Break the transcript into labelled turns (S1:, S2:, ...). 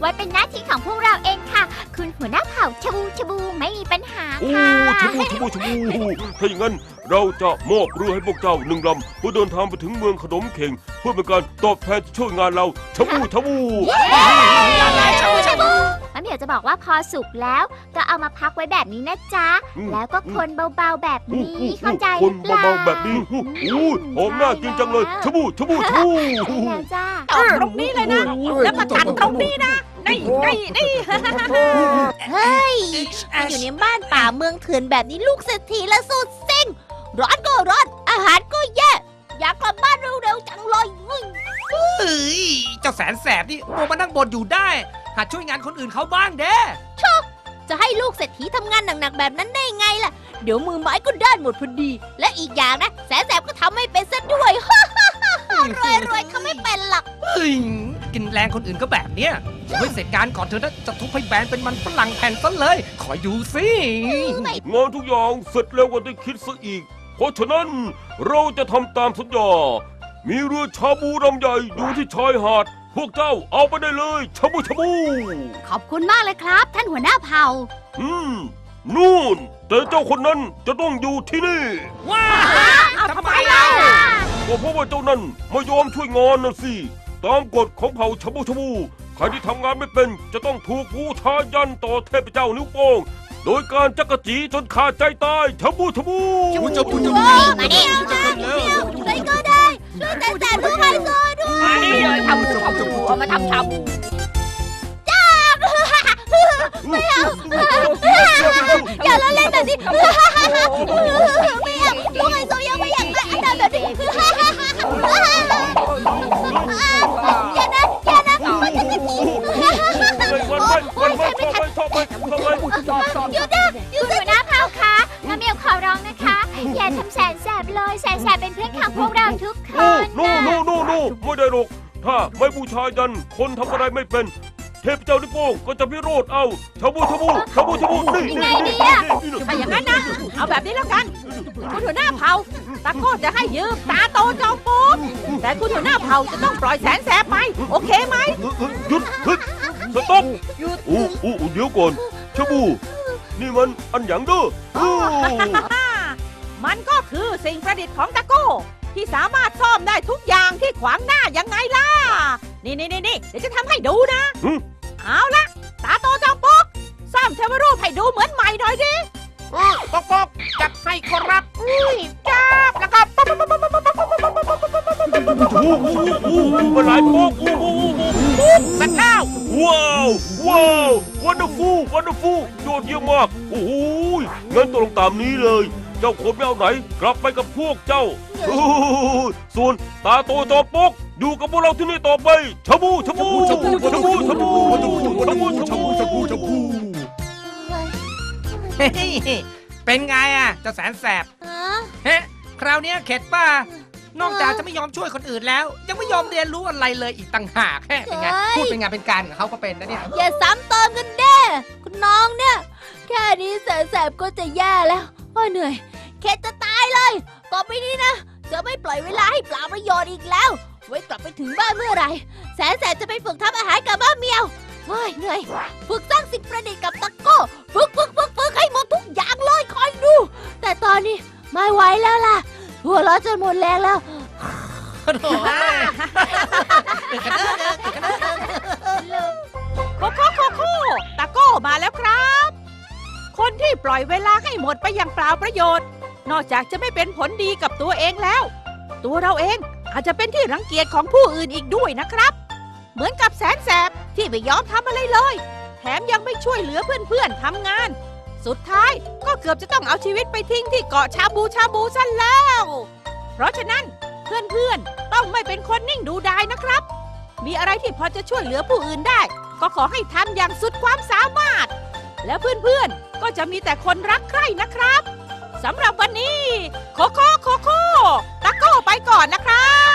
S1: ว้เป็นหน้าที่ของพวกเราเองค่ะคุณหัวหน้าเผ่าชบูชบูไม่มีปัญหา
S2: โอ้
S1: ค่ะ
S2: ชบูถ้าอย่างนั้นเราจะมอบเรือให้พวกเจ้า1 ลำเพื่อเดินทางไปถึงเมืองขนมเข่งเพื่อเป็นการตอบแทนที่ช่วยงานเราชบู
S1: มะเหมียวจะบอกว่าพอสุกแล้วก็เอามาพักไว้แบบนี้นะจ๊ะแล้วก็คนเบาๆแบบนี้เข้าใจห
S2: ค
S1: รื
S2: น
S1: อเปล่า
S2: เบาๆแบบนี้หอมน่ากินจังเลยชบู
S1: แล้วจ้า
S3: ตอกตรงนี้เลยนะแล้วก็ตัดตรงนี้นะนี่
S4: อยู่ในบ้านป่าเมืองเถื่อนแบบนี้ลูกเศรษฐีและสุดเซ็งร้อนก็ร้อนอาหารก็แย่อยากกลับบ้านเร็วๆจังเลย
S5: เฮ้ยเจ้าแสนแสบนี่มัวมานั่งบ่นอยู่ได้หัดช่วยงานคนอื่นเขาบ้างเด้
S4: จะให้ลูกเศรษฐีทำงานหนักๆแบบนั้นได้ไงล่ะเดี๋ยวมือไม้ก็ด้านหมดพอดีและอีกอย่างนะแสนแสบก็ทำไม่เป็นซะด้วย รวยเขาไม่เป็นหรอก
S5: เฮ้ยกินแรงคนอื่นก็แบบเนี้ยเฮ้ยเสร็จงานก่อนเธอนะจะทุบให้แบนเป็นมันฝรั่งแผ่นซะเลยคอยดูสิ
S2: งานทุกอย่างเสร็จเร็วกว่าที่คิดซะอีกเพราะฉะนั้นเราจะทำตามสัญญามีเรือชาบูลำใหญ่อยู่ที่ชายหาดพวกเจ้าเอาไปได้เลยชาบู
S1: ขอบคุณมากเลยครับ ท่านหัวหน้าเผ่า
S2: นู่นแต่เจ้าคนนั้นจะต้องอยู่ที่นี่
S5: ว้า
S3: เอาทำไมเล่า
S2: ก็เพราะว่าเจ้านั้นไม่ยอมช่วยงานน่ะสิตามกฎของเผ่าชาบูใครที่ทำงานไม่เป็นจะต้องถูกบูชายันต่อเทพเจ้านิ้วโป้งโดยการจักรจีจนขาดใจตายชาบู
S4: มาดิใครก็ได้ช่วยแสนแสบด้วยไฮโซด้วย
S3: มาดิทำชาบูเอามาทำชาบู
S4: อย่าละเล่นแบบนี้ไม่อยากลูกไฮโซยังไม่อยากได้อันนั้นแบบนี้อย่านะมันจะกระจี
S1: หยุดหัวหน้าเผ่าคะมะเหมียวขอร้องนะคะ อย่าทำแสนแสบเลยแสนแสบเป็นเพื่อนของพวกเราทุกคน
S2: โน่ไม่ได้หรอกถ้าไม่บูชายันคนทำอะไรไม่เป็นเทพเจ้านิ้วโป้งก็จะพิโรธเอาชาบูนี่
S3: ถ้าอย่างนั้นนะเอาแบบนี้แล้วกันคุณหัวหน้าเผ่าตะโก้จะให้ยืมตาโตจอมปุ๊บแต่คุณหัวหน้าเผ่าจะต้องปล่อยแสนแสบไปโอเคไหม
S2: หยุดสต็อป
S3: หยุด
S2: เดี๋ยวก่อนชาบูนี่มันอันหยังเด้อ
S3: มันก็คือสิ่งประดิษฐ์ของตะโก้ที่สามารถซ่อมได้ทุกอย่างที่ขวางหน้ายังไงล่ะนี่เดี๋ยวจะทำให้ดูนะเอาละตาโตจอมปุ๊บซ่อมเทวรูปให้ดูเหมือนใหม่หน่อยดิ
S5: ปอกจัดให้ครับ
S3: จับแล้วก็
S2: มันหลายโป๊ก
S5: สักข้าว
S2: ว้าววันเดอร์ฟูลยอดเยี่ยมมากโอ้โหงั้นตกลงตามนี้เลยเจ้าคนไม่เอาไหนกลับไปกับพวกเจ้าส่วนตาโตจอมปกอยู่กับพวกเราที่นี่ต่อไปชาบู
S5: เป็นไงอ่ะเจ้าแสนแสบเฮ้คราวนี้เข็ดป่ะนอกจากจะไม่ยอมช่วยคนอื่นแล้ว ยังไม่ยอมเรียนรู้อะไรเลยอีกต่างหากเป็นไงพูดเป็นงานเป็นการของเขาก็เป็นนะเนี่ย
S4: อย่าซ้ำเติมกันแน่คุณน้องเนี่ยแค่นี้แสนแสบก็จะแย่แล้วเหนื่อยเข็ดจะตายเลยต่อไปนี้นะจะไม่ปล่อยเวลาให้เปล่าประโยชน์อีกแล้วไว้กลับไปถึงบ้านเมื่อไหร่แสนแสบจะไปฝึกทำอาหารกับบ้าเมียวเหนื่อยฝึกสร้างสิ่งประดิษฐ์กับตะโก้ฝึกให้หมดทุกอย่างเลยคอยดูแต่ตอนนี้ไม่ไหวแล้วล่ะหัวเราะจนหมดแรงแล้ว
S3: โคตะโก้มาแล้วครับ คนที่ปล่อยเวลาให้หมดไปอย่างเปล่าประโยชน์นอกจากจะไม่เป็นผลดีกับตัวเองแล้วตัวเราเองอาจจะเป็นที่รังเกียจของผู้อื่นอีกด้วยนะครับเหมือนกับแสนแสบที่ไม่ยอมทำอะไรเลยแถมยังไม่ช่วยเหลือเพื่อนๆทำงานสุดท้ายก็เกือบจะต้องเอาชีวิตไปทิ้งที่เกาะชาบูซะแล้วเพราะฉะนั้นเพื่อนๆต้องไม่เป็นคนนิ่งดูดายนะครับมีอะไรที่พอจะช่วยเหลือผู้อื่นได้ก็ขอให้ทำอย่างสุดความสามารถและเพื่อนๆก็จะมีแต่คนรักใคร่นะครับสำหรับวันนี้โคโค่ตะโก้ไปก่อนนะครับ